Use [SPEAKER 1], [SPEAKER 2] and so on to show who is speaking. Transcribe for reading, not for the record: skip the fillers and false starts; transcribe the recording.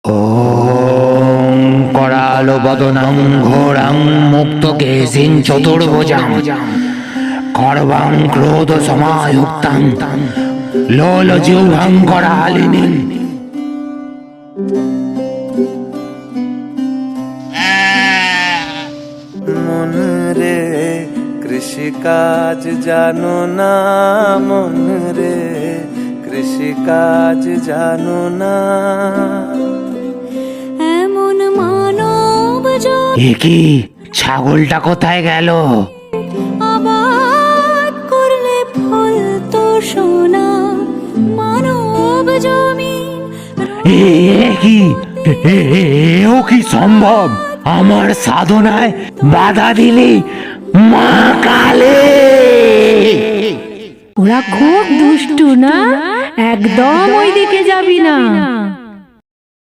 [SPEAKER 1] ওম করালো বদনং ঘোরং মুক্তকেশিন চতুর্ভুজং খড়বং ক্রোধ সমায়ুক্তং লোলজিহ্বং করালিনীং।
[SPEAKER 2] মন রে কৃষিকাজ জানো না, মন রে কৃষিকাজ জানো না।
[SPEAKER 3] এমন মানব
[SPEAKER 1] এ কি, ছাগলটা কোথায় গেল?
[SPEAKER 3] আবাদ করলে ফল তো সোনা, মানব জমিন
[SPEAKER 1] এ কি, এও কি সম্ভব? আমার সাধনায় বাধা দিলি মা কালী।
[SPEAKER 4] ওরা খুব দুষ্টু না, একদম ওইদিকে যাবি না।